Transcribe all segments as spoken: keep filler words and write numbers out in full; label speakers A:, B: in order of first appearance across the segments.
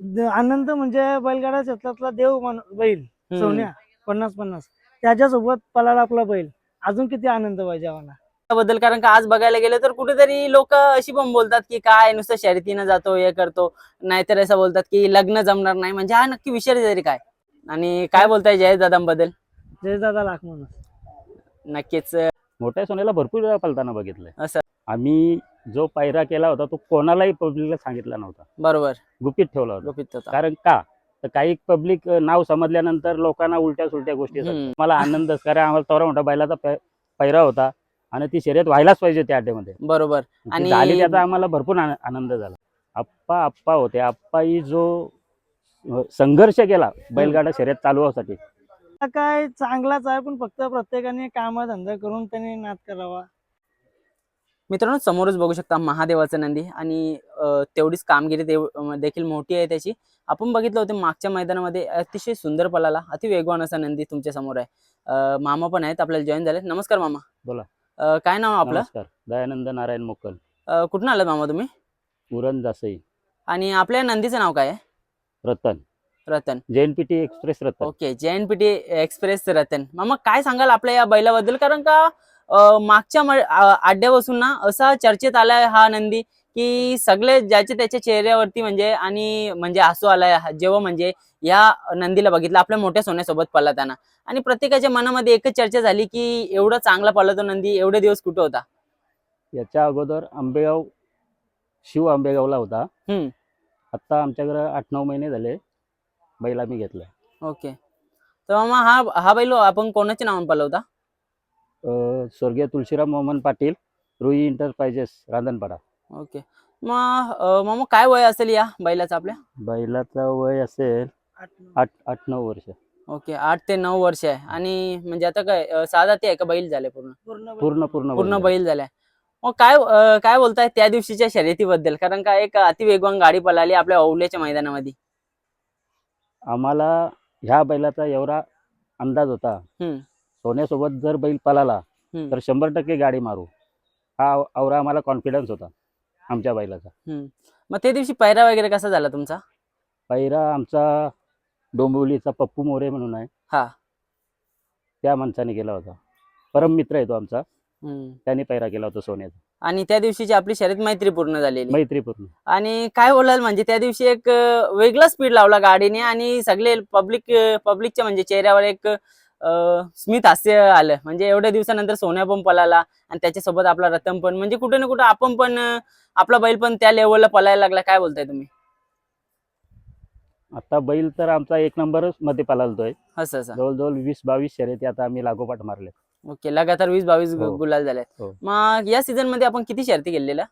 A: The- आनंद म्हणजे बैलगाडा क्षेत्रातला देव माणूस बैल
B: हम्म.
A: सोन्या पन्नास पन्नास त्याच्यासोबत पळाला आपला बैल, अजून किती आनंद पाहिजे आम्हाला.
B: बद्दल कारण का आज बघायला गेलं तर कुठेतरी लोक अशी पण बोलतात की काय नुसतं शर्यतीनं जातो हे करतो, नाहीतर असं बोलतात की लग्न जमणार नाही. म्हणजे हा नक्की विषय तरी काय आणि काय बोलताय जयेश दादांबद्दल?
A: जय दादा लाख म्हणून
B: नक्कीच
C: मोठ्या सोन्याला भरपूर वेळा पलताना बघितलंय.
B: असं
C: आम्ही जो पायरा केला होता तो कोणालाही पब्लिकला सांगितला नव्हता,
B: बरोबर
C: गुपित ठेवला होता.
B: गुपित होता.
C: कारण का तर काही पब्लिक नाव समजल्यानंतर लोकांना उलट्या सुलट्या गोष्टी
B: हम्म.
C: सांगतात. मला आनंदच, कारण आम्हाला तेवढा मोठा बैलाचा पै- पैरा होता आणि ती शर्यत व्हायलाच पाहिजे त्या अड्ड्यामध्ये.
B: बरोबर
C: ती
B: आणि
C: झाली, त्याचा आम्हाला भरपूर आन- आनंद झाला. आप्पा आप्पा होते. आप्पाही जो अ, संघर्ष केला बैलगाडा शर्यत चालवण्यासाठी,
A: हा काय चांगलाच आहे, पण फक्त प्रत्येकाने काम धंदा करून त्याने नाद करावा.
B: मित्रांनो समोरच बघू शकता महादेवाचं नंदी आणि अ, तेवढीच कामगिरी देव अ, देखील मोठी आहे त्याची. आपण बघितलं होतं मागच्या मैदानामध्ये अतिशय सुंदर पळाला, अति वेगवान असा नंदी तुमच्या समोर आहे. अ, मामा पण आहेत आपल्याला जॉईन झाले. नमस्कार मामा.
C: बोला.
B: अ, काय नाव आपलं?
C: नमस्कार. दयानंद नारायण मोकल,
B: अ, कुठून आलात मामा तुम्ही?
C: उरण जासई,
B: आणि आपल्या नंदीचं नाव काय आहे?
C: Ratan,
B: Ratan.
C: JNPT express Ratan.
B: Okay, JNPT express Ratan. मामा काय सांगाल आपल्या या बैलाबद्दल? कारण का अ, मागच्या म- आ- अड्ड्यापासून ना असा चर्चेत आलाय हा नंदी की सगळे ज्याच्या त्याच्या चेहऱ्यावरती म्हणजे आणि म्हणजे हसू आलाय हा- जेव्हा म्हणजे या नंदीला बघितलं आपल्या मोठ्या सोन्यासोबत पळताना. आणि प्रत्येकाच्या मनामध्ये एकच चर्चा झाली की एवढा चांगला पळतो नंदी एवढे दिवस कुठं होता?
C: याच्या अगोदर आंबेगाव, शिव आंबेगावला होता.
B: हम्म.
C: आता आमच्याकडे आठ नऊ महिने झाले बैल आम्ही घेतलाय.
B: ओके, तर मामा हा हा बैल आपण कोणाच्या नावाने पळवता?
C: अं, स्वर्गीय तुळशीराम मोहन पाटील, रुई इंटरप्राइजेस, रांधणपाडा.
B: ओके, मग अ, मामा काय वय असेल या बैलाचं आपल्या?
C: बैलाचं वय असेल
A: आठ नऊ.
C: आठ आठ नऊ वर्ष.
B: ओके, आठ ते नऊ वर्ष आहे. आणि म्हणजे आता काय अ, सहा जाती आहे का बैल झाले पूर्ण?
A: पूर्ण बैल.
C: पूर्ण पूर्ण
B: पूर्ण
C: बैल.
B: बैल झालाय. मग काय अ, काय बोलताय त्या दिवशीच्या शर्यतीबद्दल? कारण का एक अतिवेगवान गाडी पळाली आपल्या औल्याच्या मैदानामध्ये.
C: आम्हाला ह्या बैलाचा एवढा अंदाज होता,
B: हम्म.
C: सोन्यासोबत जर बैल पळाला
B: हम्म.
C: तर शंभर टक्के गाडी मारू, हा एवढा आम्हाला कॉन्फिडन्स होता आमच्या बैलाचा.
B: हम्म. मग त्या दिवशी पैरा वगैरे कसा झाला तुमचा?
C: पहिरा आमचा डोंबिवलीचा पप्पू मोरे म्हणून आहे,
B: हा.
C: त्या माणसाने केला होता. परम मित्र आहे तो आमचा,
B: हम्म.
C: त्याने पैरा केला होता सोन्याचा.
B: आणि त्या दिवशीची आपली शर्यत मैत्रीपूर्ण झालेली.
C: मैत्रीपूर्ण.
B: आणि काय बोलाल म्हणजे त्या दिवशी एक अ, वेगळा स्पीड लावला गाडीने आणि सगळे पब्लिक पब्लिकच्या म्हणजे चेहऱ्यावर एक अ, स्मित हास्य आलं. म्हणजे एवढ्या दिवसानंतर सोन्या पण पळाला आणि त्याच्यासोबत आपला रतन पण, म्हणजे कुठे ना कुठे आपण पण अ, आपला बैल पण त्या लेवलला पळायला लागला. काय बोलताय तुम्ही?
C: आता बैल तर आमचा एक नंबरच मध्ये पळालतोय.
B: असं असं.
C: जवळजवळ वीस बावीस शर्यती आता आम्ही लागोपाठ मारले.
B: ओके, लगातार वीस बावीस
C: हो.
B: गुलाल झाले.
C: हो.
B: मग या सीझन मध्ये आपण किती शर्ती केलेल्या?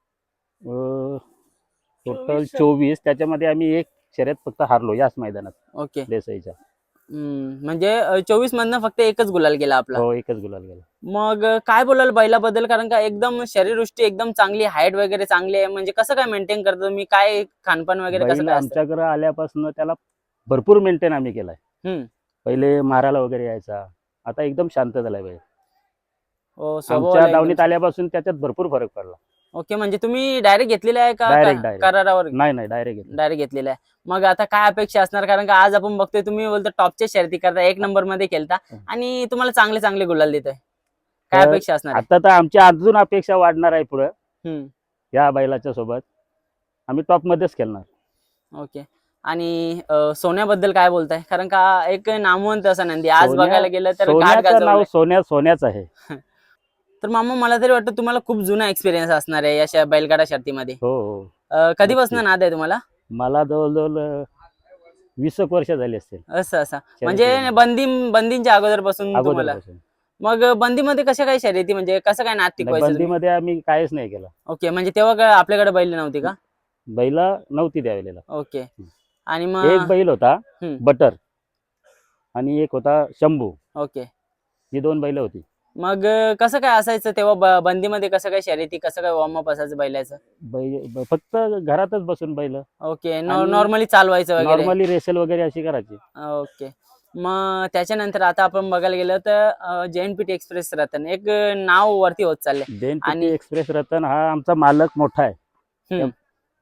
C: टोटल
A: चोवीस.
C: चोवीस, त्याच्यामध्ये आम्ही एक शर्यत फक्त हारलो याच मैदानात,
B: ओके.
C: देसाईच्या.
B: हम्म, म्हणजे चोवीस मधनं फक्त एकच गुलाल गेला आपला.
C: हो, एकच गुलाल गेला.
B: मग अ, काय बोलाल बैलाबद्दल? कारण का एकदम शरीरवृष्टी एकदम चांगली, हाईट वगैरे चांगली आहे. म्हणजे कसं काय मेंटेन करतो तुम्ही? काय खानपान वगैरे कसं
C: बैल
B: काय असतं?
C: आमच्याकडे आल्यापासून त्याला भरपूर मेंटेन आम्ही केलाय.
B: हम्म.
C: पहिले मारायला वगैरे यायचा, आता एकदम शांत झालाय बैल.
B: हो, स्वभाव
C: आमच्या
B: एकदम-
C: दावणीत आल्यापासून त्याच्यात भरपूर फरक पडला.
B: ओके, म्हणजे तुम्ही डायरेक्ट घेतलेला आहे का
C: Direct,
B: का-
C: direct.
B: करारावर?
C: नाही नाही डायरेक्ट
B: डायरेक्ट घेतलेला आहे. मग आता काय अपेक्षा असणार? कारण का आज आपण बघतोय तुम्ही बोलतो टॉपच्या शर्ती करता, एक नंबर मध्ये खेळता आणि तुम्हाला चांगले चांगले गुलाल देतोय. काय
C: तर
B: अपेक्षा असणार आहे?
C: आता तर आमच्या अजून अपेक्षा वाढणार आहे पुढे.
B: हम्म.
C: या बैलाच्या सोबत आम्ही टॉप मध्येच खेळणार.
B: ओके, आणि अ, सोन्याबद्दल काय बोलताय? कारण का एक नामवंत असा नंदी आज
C: सोन्या-
B: बघायला गेलं तर घाट
C: सोन्याचं नाव
B: गाजवलंय.
C: सोन्या सोन्याच आहे.
B: तर मामा मला तरी वाटतं तुम्हाला खूप जुना एक्सपिरियन्स असणार आहे या श- बैलगाडा शर्तीमध्ये.
C: हो हो.
B: अ, कधीपासून
C: नक्की.
B: नाद आहे तुम्हाला?
C: मला जवळजवळ अं, वीस एक वर्ष झाली असतील
B: असं असं म्हणजे बंदी बंदींच्या अगोदरपासून तुम्हाला.
C: अगोदरपासून.
B: मग बंदीमध्ये कशा काय शर्यती म्हणजे कसं काय नाद
C: नाही,
B: टिकवायचं तुम्ही?
C: बंदीमध्ये आम्ही काहीच नाही केलं.
B: ओके, म्हणजे तेव्हा काय आपल्याकडे बैल नव्हती का?
C: बैला नव्हती द्यावेलेला.
B: ओके, आणि
C: एक
B: मग
C: बैल होता
B: हम्म.
C: बटर आणि एक होता शंभू,
B: ओके,
C: ही दोन बैल होती.
B: मग कसं काय असायचं तेव्हा ब- बंदीमध्ये कसं काय शर्यती कसं काय वॉर्मअप असायचं बैलाचं?
C: बैल ब- फक्त घरातच बसून बैल
B: ओके,
C: आणि
B: नॉर्मली चालवायचं वगैरे.
C: नॉर्मली रेसल वगैरे अशी करायची.
B: ओके, मग त्याच्यानंतर आता आपण बघायला गेलं तर जेएनपीटी एक्सप्रेस रतन एक नाव वरती होत चाललंय.
C: देन
B: आणि-
C: एक्सप्रेस रतन हा आमचा मालक मोठा आहे.
B: हम्म.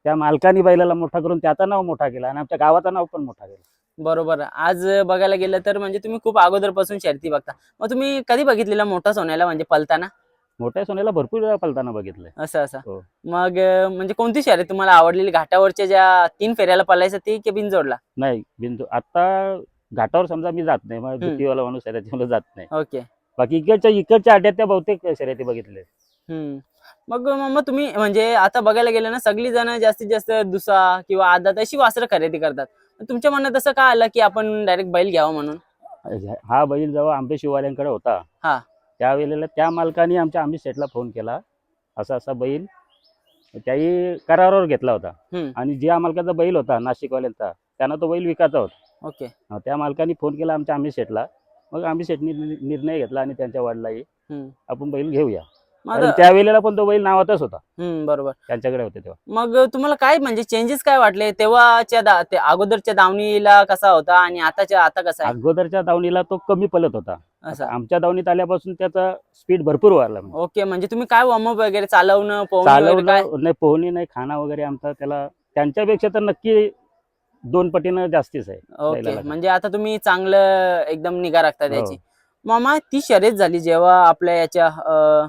C: त्या मालकाने बैलाला मोठा करून त्याचं नाव मोठा केला आणि आमच्या गावाचं नाव पण मोठा केलं.
B: बरोबर. आज बघायला गेलं तर म्हणजे तुम्ही खूप अगोदरपासून शर्यती बघता. मग तुम्ही कधी बघितलेला मोठा सोन्याला म्हणजे पलताना?
C: मोठ्या सोन्याला भरपूर वेळा पलताना बघितलंय.
B: असं असं
C: हो.
B: मग अं, म्हणजे कोणती शर्यत तुम्हाला आवडलेली? घाटावरच्या ज्या तीन फेऱ्याला पळायचं ती की बिनजोडला?
C: नाही बिंदू आता घाटावर समजा मी जात नाही, मग
B: हम्म.
C: भीतीवाला माणूस आहे त्याच्यामुळे जात नाही.
B: ओके.
C: बाकी इकडच्या इकडच्या अड्ड्यात त्या बहुतेक शर्यती बघितले.
B: हम्म. मग मग तुम्ही म्हणजे आता बघायला गेलं ना सगळी जण जास्तीत जास्त दुसा किंवा आदात अशी वासरं खरेदी करतात. तुमच्या मनात असं का आलं की आपण डायरेक्ट बैल घ्यावं म्हणून?
C: हा बैल जेव्हा आंबे शिवाल्यांकडे होता
B: हा.
C: त्यावेळेला त्या मालकाने आमच्या आंबे शेठला फोन केला, असा असा बैल त्याही करारावर घेतला होता.
B: हम्म.
C: आणि ज्या मालकाचा बैल होता नाशिकवाल्यांचा त्यांना तो बैल विकायचा होता.
B: ओके.
C: अं, त्या मालकाने फोन केला आमच्या आंबे शेठला. मग आंबे शेठनी नि- निर्णय घेतला आणि त्यांच्या वडिलांनी
B: हम्म.
C: आपण बैल घेऊया.
B: मग
C: कारण त्यावेळेला पण तो बैल नावातच होता,
B: हम्म. बरोबर.
C: त्यांच्याकडे होते तेव्हा.
B: मग तुम्हाला काय म्हणजे चेंजेस काय वाटले तेव्हाच्या दा- ते अगोदरच्या दावणीला कसा होता आणि आताच्या आता कसा आहे?
C: अगोदरच्या दावणीला तो कमी पलत होता.
B: असं.
C: आमच्या दावणीत आल्यापासून त्याचा स्पीड भरपूर वाढला. म्हणजे
B: ओके. म्हणजे तुम्ही काय वॉर्मअप वगैरे चालवणं पोहणं वगैरे काय?
C: चालवलं नाही, पोहणी नाही, खाना वगैरे आमचा त्याला त्यांच्यापेक्षा तर नक्की दोन पटीनं जास्तीच आहे
B: ओके.
C: बैलाला.
B: म्हणजे आता तुम्ही चांगलं एकदम निगा राखता
C: हो.
B: त्याची. मामा ती शर्यत झाली जेव्हा आपल्या याच्या अं,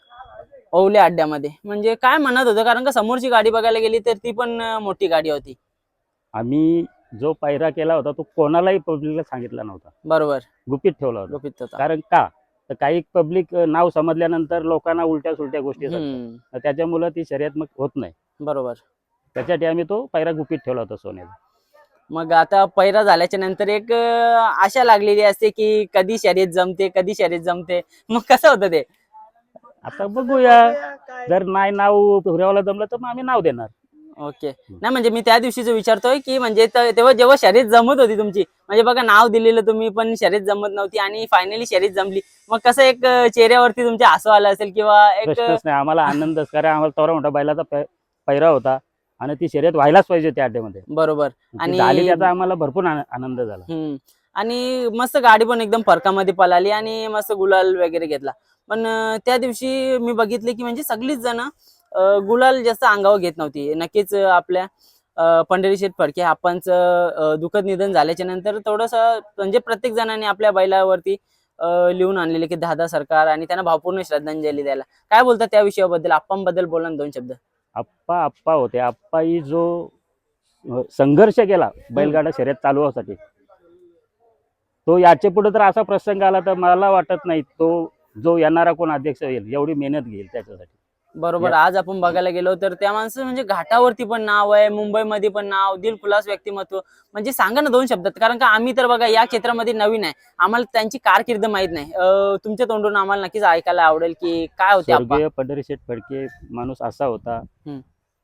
B: ओवल्या अड्ड्यामध्ये म्हणजे काय म्हणत होतं? कारण का समोरची गाडी बघायला गेली तर ती पण अं, मोठी गाडी होती.
C: आम्ही जो पायरा केला होता तो कोणालाही पब्लिकला सांगितला नव्हता,
B: बरोबर.
C: गुपित ठेवला होता.
B: गुपित होता.
C: कारण का तर काही पब्लिक नाव समजल्यानंतर लोकांना उलट्या सुलट्या गोष्टी सांगतात.
B: हम्म.
C: त्याच्यामुळे ती शर्यत मग होत नाही.
B: बरोबर.
C: त्यासाठी आम्ही तो पायरा गुपित ठेवला होता सोन्याचा.
B: मग आता पैरा झाल्याच्या नंतर एक अं, आशा लागलेली असते की कधी शर्यत जमते कधी शर्यत जमते. मग कसं होतं ते?
C: आता बघूया, जर नाही नाव पुऱ्यावाला जमलं तर मग आम्ही नाव देणार.
B: ओके. नाही म्हणजे मी त्या दिवशीच विचारतोय की म्हणजे त- तेव्हा जेव्हा शर्यत जमत होती तुमची म्हणजे बघा नाव दिलेलं तुम्ही पण शर्यत जमत नव्हती आणि फायनली शर्यत जमली. मग कसं एक अं, चेहऱ्यावरती तुमच्या हसू आलं असेल किंवा एक
C: प्रश्नच नाही, आम्हाला आनंदच. कारण आम्हाला तेवढा मोठा बैलाचा पै- पैरा होता आणि ती शर्यत व्हायलाच पाहिजे त्या अड्ड्यामध्ये.
B: बरोबर.
C: ती
B: आणि
C: झाली त्याचा आम्हाला भरपूर आन- आनंद झाला.
B: हम्म. आणि मस्त गाडी पण एकदम फरकामध्ये पळाली आणि मस्त गुलाल वगैरे घेतला. पण अं, त्या दिवशी मी बघितले की म्हणजे सगळीच जण अं, गुलाल जास्त अंगावर घेत नव्हती. नक्कीच अं, आपल्या अं, पंढरीशेठ फडके आपणचं अं, दुःखद निधन झाल्याच्या नंतर थोडस म्हणजे प्रत्येक जणांनी आपल्या बैलावरती अं, लिहून आणलेले की दादा सरकार आणि त्यांना भावपूर्ण श्रद्धांजली द्यायला. काय बोलतात त्या विषयाबद्दल? आप्पांबद्दल बोला ना दोन शब्द.
C: आप्पा आप्पा होते. आप्पाही जो अं, संघर्ष केला बैलगाडा शर्यत चालवण्यासाठी, तो याच्या पुढे तर असा प्रसंग आला तर मला वाटत नाही तो जो येणारा कोण अध्यक्ष होईल एवढी मेहनत घेईल त्याच्यासाठी.
B: बरोबर. आज आपण बघायला गेलो तर त्या माणसं म्हणजे घाटावरती पण नाव आहे, मुंबईमध्ये पण नाव, दिलखुलास व्यक्तिमत्व. म्हणजे सांगा ना दोन शब्दात. कारण का आम्ही तर बघा या क्षेत्रामध्ये नवीन आहे, आम्हाला त्यांची कारकीर्द माहित नाही. अं, तुमच्या तोंडून आम्हाला नक्कीच ऐकायला आवडेल की काय होते आप्पा.
C: स्वर्गीय पंढरीशेठ फडके माणूस असा होता,
B: हम्म.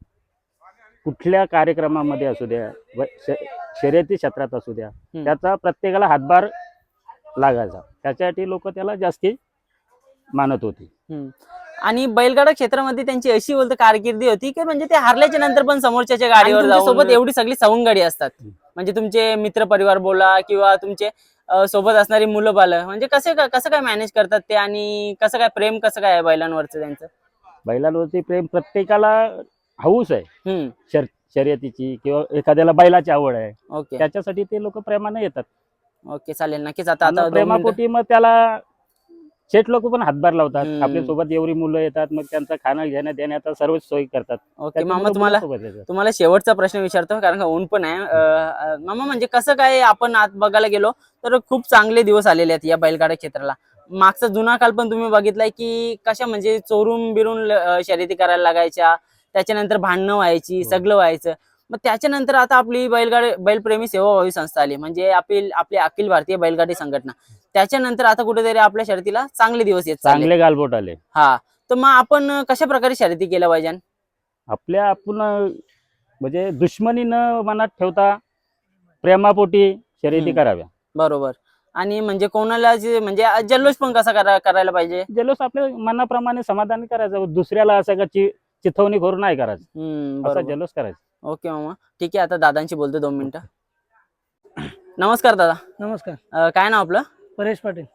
C: कुठल्या कार्यक्रमामध्ये असू द्या, व श- शर्यती क्षेत्रात असू द्या,
B: हम्म.
C: त्याचा प्रत्येकाला हातभार लागायचा. त्याच्यासाठी लोक त्याला जास्ती मानत होती.
B: हम्म. आणि बैलगाडा क्षेत्रामध्ये त्यांची अशी बोलतो कारकिर्दी होती की म्हणजे ते हारल्याच्या नंतर पण समोरच्या गाडीवर जाऊन सोबत एवढी सगळी सवंगडी असतात. म्हणजे तुमचे मित्र परिवार बोला किंवा तुमचे अं, सोबत असणारी मुलं बालं म्हणजे कसे का- कसं काय मॅनेज करतात ते आणि कसं काय प्रेम कसं काय आहे बैलांवरचं त्यांचं?
C: बैलांवरती प्रेम प्रत्येकाला हौस आहे,
B: हम्म.
C: शर शर्यतीची किंवा एखाद्याला बैलाची आवड आहे,
B: ओके.
C: त्याच्यासाठी ते लोक प्रेमाने येतात.
B: ओके चालेल नक्कीच. आता
C: आणि
B: आता दोन मिनिटं-
C: प्रेमापोटी मग त्याला शेठ लोक पण हातभार लावतात.
B: हम्म.
C: आपल्या सोबत एवढी मुलं येतात, मग त्यांचं खाणं घेणं देण्याचा सर्वच सोयी करतात.
B: ओके
C: त्याच्यामुळे
B: मामा तुम्हाला
C: मुलं सोबत येतात.
B: तुम्हाला शेवटचा प्रश्न विचारतो कारण का ऊन पण आहे. अं, अं, मामा म्हणजे कसं काय आपण आत बघायला गेलो तर खूप चांगले दिवस आलेले आहेत या बैलगाडा क्षेत्राला. मागचा जुना काल पण तुम्ही बघितलाय की कशा म्हणजे चोरून बिरून अं, शर्यती करायला लागायच्या, त्याच्यानंतर भांडणं व्हायची,
C: हो.
B: सगळं व्हायचं. मग त्याच्यानंतर आता आपली बैलगाडी बैलप्रेमी सेवाभावी संस्था आली म्हणजे आपली आपली अखिल भारतीय बैलगाडी संघटना. त्याच्यानंतर आता कुठेतरी आपल्या शर्यतीला चांगले दिवस येत चालले.
C: चांगले गालबोट आले.
B: हा. तर मग आपण कशा प्रकारे शर्यती केल्या पाहिजे?
C: आपल्या आपण म्हणजे दुश्मनी न मनात ठेवता प्रेमापोटी शर्यती
B: हम्म.
C: कराव्या.
B: बरोबर. आणि म्हणजे कोणाला जे म्हणजे जल्लोष पण कसा करा करायला पाहिजे?
C: जल्लोष आपल्या मनाप्रमाणे समाधान करायचं, दुसऱ्याला असं का चि- चिथवणी करून नाही करायचं,
B: हम्म.
C: असा
B: बरोबर.
C: जल्लोष करायचा.
B: ओके मामा ठीक आहे. आता दादांशी बोलतो दोन मिनिटं. नमस्कार दादा.
A: नमस्कार.
B: अं, काय नाव आपलं?
A: परेश पाटील.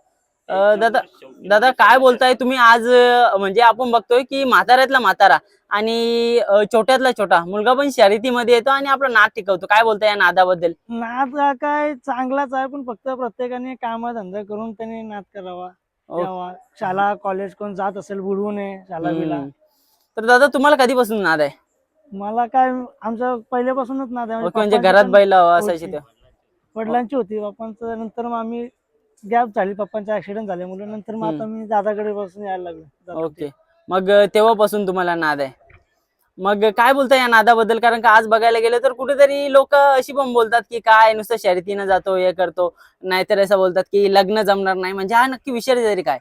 B: अं, दादा दादा काय बोलताय तुम्ही आज अं, म्हणजे आपण बघतोय की म्हाताऱ्यातला म्हातारा आणि अं, छोट्यातला छोटा मुलगा पण शर्यतीमध्ये येतो आणि आपला नाद टिकवतो. काय बोलताय या नादाबद्दल?
A: नाद हा काय चांगलाच आहे, पण फक्त प्रत्येकाने काम धंदा करून त्याने नाद करावा.
B: ओ-
A: यावा शाळा कॉलेज कोण जात असेल बुडवू नये शाळा बिला.
B: हम्म. तर दादा तुम्हाला कधीपासून नाद आहे?
A: मला काय आमच्या पहिल्यापासूनच नाद आहे.
B: ओके, म्हणजे
A: पप्पांची
B: घरात
A: पण
B: बैल असायची
A: होती.
B: ते.
A: वडिलांची होती, पप्पांचं नंतर मग आम्ही गॅप झाली, पप्पांचा ऍक्सिडेंट झाल्यामुळे नंतर मग आता मी दादाकडे बसून यायला लागलो. जात होते.
B: ओके, मग अं, तेव्हापासून तुम्हाला नाद आहे. मग काय बोलताय या नादाबद्दल? कारण का आज बघायला गेलं तर कुठेतरी लोक अशी पण बोलतात की काय नुसतं शर्यतीनं जातो हे करतो, नाहीतर असं बोलतात की लग्न जमणार नाही. म्हणजे हा नक्की विषय तरी काय?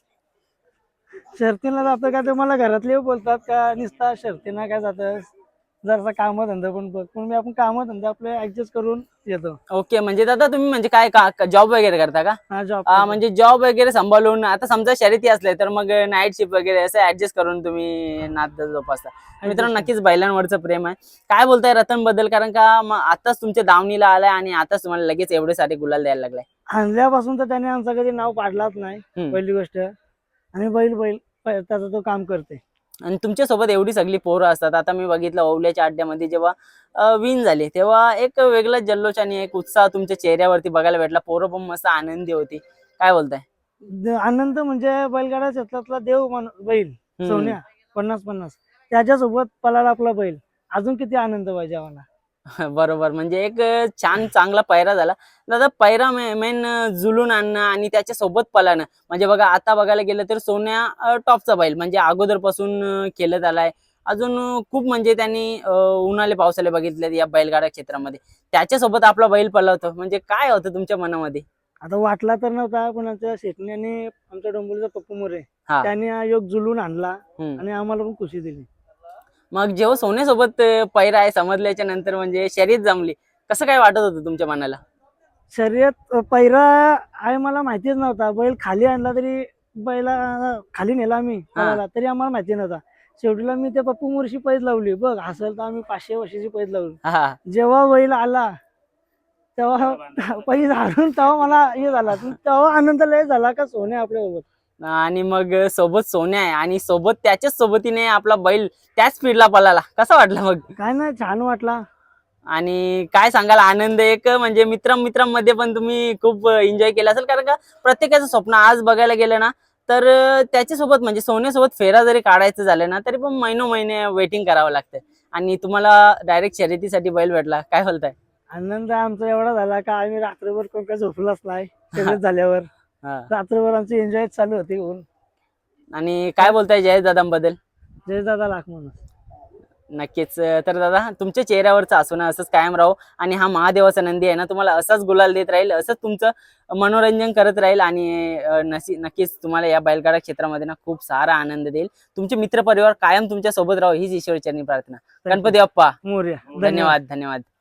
A: शर्तीला जातो का ते मला घरातले बोलतात का नुसता शर्तीनं काय जातं, जरसा काम धंदा पण बघ. पण मी आपण काम धंदा आपले ऍडजस्ट करून येतो.
B: ओके, म्हणजे दादा तुम्ही म्हणजे काय जॉब वगैरे करता का?
A: हा जॉब
B: आ, म्हणजे जॉब वगैरे सांभाळून आता समजा शर्यती असले तर मग नाईट शिफ्ट वगैरे असं ऍडजस्ट करून तुम्ही नाद जोपासता. मित्रांनो नक्कीच बैलांवरचं प्रेम आहे. काय बोलताय रतन बद्दल? कारण का म- आताच तुमच्या दावणीला आलाय आणि आताच तुम्हाला लगेच एवढे सारे गुलाल द्यायला लागलाय.
A: आणल्यापासून तर त्याने आमचं कधी नाव पाडलाच नाही,
B: हम्म.
A: पहिली गोष्ट. आणि बैल बैल प- त्याचा तो काम करते.
B: आणि तुमच्या सोबत एवढी सगळी पोरं असतात. आता मी बघितलं ओवल्याच्या अड्ड्यामध्ये जेव्हा विन झाली तेव्हा एक वेगळा जल्लोष आणि एक उत्साह तुमच्या चेहऱ्यावरती बघायला भेटला. पोरं पण मस्त आनंदी होती. काय बोलताय?
A: द- आनंद म्हणजे बैलगाडा क्षेत्रातला देव मान बैल
B: हम्म.
A: सोन्या पन्नास पन्नास त्याच्यासोबत पळाला आपला बैल, अजून किती आनंद पाहिजे आम्हाला.
B: बरोबर, म्हणजे एक अं, छान चांगला पैरा झाला. दादा पैरा मेन जुलून आणणं आणि त्याच्या सोबत पळणं. म्हणजे बघा आता बघायला गेलं तर सोन्या अं, टॉपचा बैल म्हणजे अगोदरपासून अं, खेळत आलाय. अजून अं, खूप म्हणजे त्यांनी अं, उन्हाळे पावसाळे बघितले या बैलगाडा क्षेत्रामध्ये. त्याच्यासोबत आपला बैल पळवतो म्हणजे काय होतं तुमच्या मनामध्ये?
A: आता वाटला तर नव्हता, पण आमच्या शेटण्याने आमच्या डोंबिवलीचा पप्पू मोरे
B: हा.
A: त्याने हा योग जुलून आणला
B: हम्म.
A: आणि आम्हाला पण खुशी दिली.
B: मग जेव्हा सोन्यासोबत अं, पैरा आहे समजल्याच्या नंतर म्हणजे शर्यत जमली, कसं काय वाटत होतं तुमच्या मनाला?
A: शर्यत अ, पैरा आहे मला माहितीच नव्हता. बैल खाली आणला तरी बैला खाली नेला आम्ही पळायला तरी आम्हाला माहिती नव्हता. शेवटीला मी त्या पप्पू मोरशी पैज लावली. बघ असेल तर आम्ही पाचशे वर्षाची पैज लावली.
B: हा.
A: जेव्हा बैल आला तेव्हा पैज हारून तेव्हा मला हे झाला, तेव्हा आनंद लय झाला का सोन्या आपल्या सोबत.
B: आणि मग सोबत सोन्या आहे आणि सोबत त्याच्याच सोबतीने आपला बैल त्याच स्पीडला पळाला. कसं वाटलं मग?
A: काय नाही छान वाटला.
B: आणि काय सांगाल आनंद एक म्हणजे मित्र मित्रांमध्ये पण तुम्ही खूप एन्जॉय केला असेल. कारण का प्रत्येकाचं स्वप्न आज बघायला गेलं ना तर अं, त्याच्यासोबत म्हणजे सोन्यासोबत फेरा जरी काढायचं झालं ना तरी पण महिनो महिने वेटिंग करावं लागतं आणि तुम्हाला डायरेक्ट शर्यतीसाठी बैल भेटला. काय बोलताय?
A: आनंद आमचा एवढा झाला का आम्ही रात्रभर कोण काय झोपलाच नाही. शर्यत झाल्यावर
B: हा.
A: रात्रभर आमची एन्जॉय चालू होती.
B: आणि काय बोलताय जयेश दादांबद्दल?
A: जय दादा लाख म्हणून.
B: नक्कीच. तर दादा तुमच्या चेहऱ्यावरचं हसणं असंच कायम राहू आणि हा महादेवाचा नंदी आहे ना तुम्हाला असाच गुलाल देत राहील, असंच तुमचं मनोरंजन करत राहील आणि अं, नसी नक्कीच तुम्हाला या बैलगाडा क्षेत्रामध्ये ना खूप सारा आनंद देईल. तुमचे मित्र परिवार कायम तुमच्या सोबत राहू हीच ईश्वरचरणी प्रार्थना. गणपती बाप्पा
A: मोरया.
B: धन्यवाद धन्यवाद.